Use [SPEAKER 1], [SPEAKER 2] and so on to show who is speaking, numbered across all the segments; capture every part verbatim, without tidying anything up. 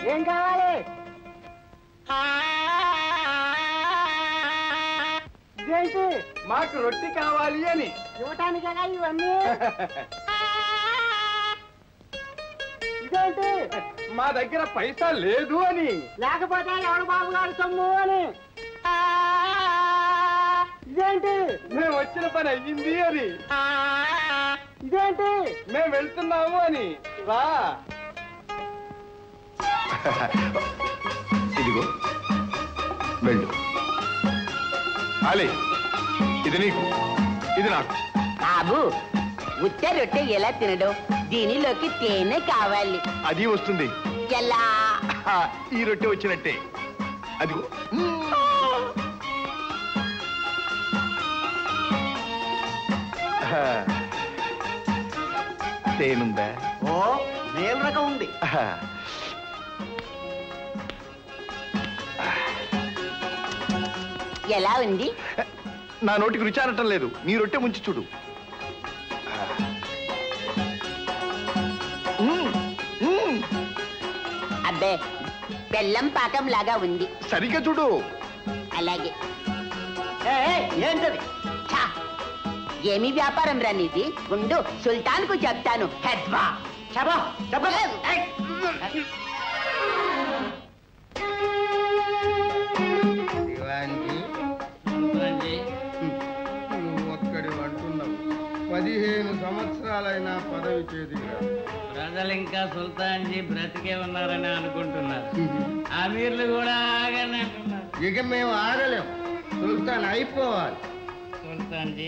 [SPEAKER 1] ఏం కావాలి? ఇదేంటి?
[SPEAKER 2] మాకు రొట్టి కావాలి అని.
[SPEAKER 1] ఇవ్వటానికేగా ఇవన్నీ. ఇదేంటి?
[SPEAKER 2] మా దగ్గర పైసా లేదు అని.
[SPEAKER 1] లేకపోతే ఎవడు బాబు గారు సొమ్ము అని. ఇదేంటి?
[SPEAKER 2] మేము వచ్చిన పని అయ్యింది అని.
[SPEAKER 1] ఇదేంటి?
[SPEAKER 2] మేము వెళ్తున్నాము అని. రా.
[SPEAKER 3] ఇదిగో వెళ్ళు. అలే ఇది నీకు, ఇది నాకు.
[SPEAKER 4] బాబు ఉత్త రొట్టె ఎలా తినడం? దీనిలోకి తేనె కావాలి.
[SPEAKER 3] అది వస్తుంది.
[SPEAKER 4] ఎలా?
[SPEAKER 3] ఈ రొట్టె వచ్చినట్టే. అదిగో. తేనుందా?
[SPEAKER 1] ఓ మేలు రకం ఉంది.
[SPEAKER 4] ఎలా ఉంది?
[SPEAKER 3] నా నోటికి రుచి అనటం లేదు. నీ రొట్టె ముంచి చూడు.
[SPEAKER 4] అబ్బే బెల్లం పాకం లాగా ఉంది.
[SPEAKER 3] సరిగ్గా చూడు.
[SPEAKER 4] అలాగే.
[SPEAKER 1] ఏంటది?
[SPEAKER 4] ఏమి వ్యాపారం రా నీది? ఉండు సుల్తాన్ కు చెప్తాను. హెద్వా
[SPEAKER 1] చెప్పా చెప్ప.
[SPEAKER 2] పదిహేను సంవత్సరాలైనా పదవి చేతి
[SPEAKER 5] ప్రజలు ఇంకా సుల్తాన్జీ బ్రతికే ఉన్నారని అనుకుంటున్నారు. అమీర్లు కూడా ఆగని అంటున్నారు.
[SPEAKER 2] ఇక మేము ఆగలేం. సుల్తాన్ అయిపోవాలి.
[SPEAKER 5] సుల్తాన్జీ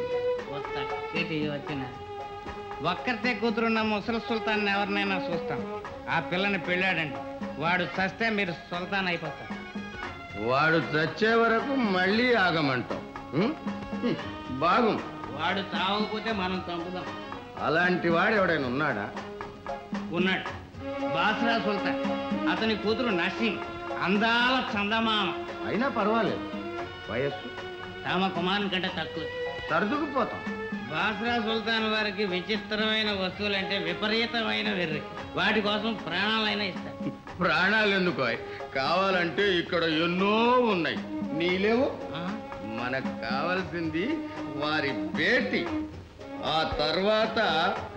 [SPEAKER 5] వచ్చిన ఒక్కరితే కూతురున్న ముసలి సుల్తాన్ ఎవరినైనా చూస్తాం. ఆ పిల్లని పెళ్ళాడండి. వాడు చస్తే మీరు సుల్తాన్ అయిపోతారు.
[SPEAKER 2] వాడు చచ్చే వరకు మళ్ళీ ఆగమంటాం. బాగు.
[SPEAKER 5] వాడు చావకపోతే మనం చంపుదాం.
[SPEAKER 2] అలాంటి వాడు ఎవడైనా ఉన్నాడా?
[SPEAKER 5] ఉన్నాడు. బాస్రా సుల్తాన్. అతని కూతురు నసీం అందాల చందమామ.
[SPEAKER 2] అయినా పర్వాలేదు. వయస్సు
[SPEAKER 5] తమ కుమారుని కంటే తక్కువ.
[SPEAKER 2] సర్దుకుపోతాం.
[SPEAKER 5] బాస్రా సుల్తాన్ వారికి విచిత్రమైన వస్తువులంటే విపరీతమైన వెర్రి. వాటి కోసం ప్రాణాలైనా ఇస్తారు.
[SPEAKER 2] ప్రాణాలు ఎందుకు? కావాలంటే ఇక్కడ ఎన్నో ఉన్నాయి. నీలేవు. మనకు కావాల్సింది వారి బేటి. ఆ తర్వాత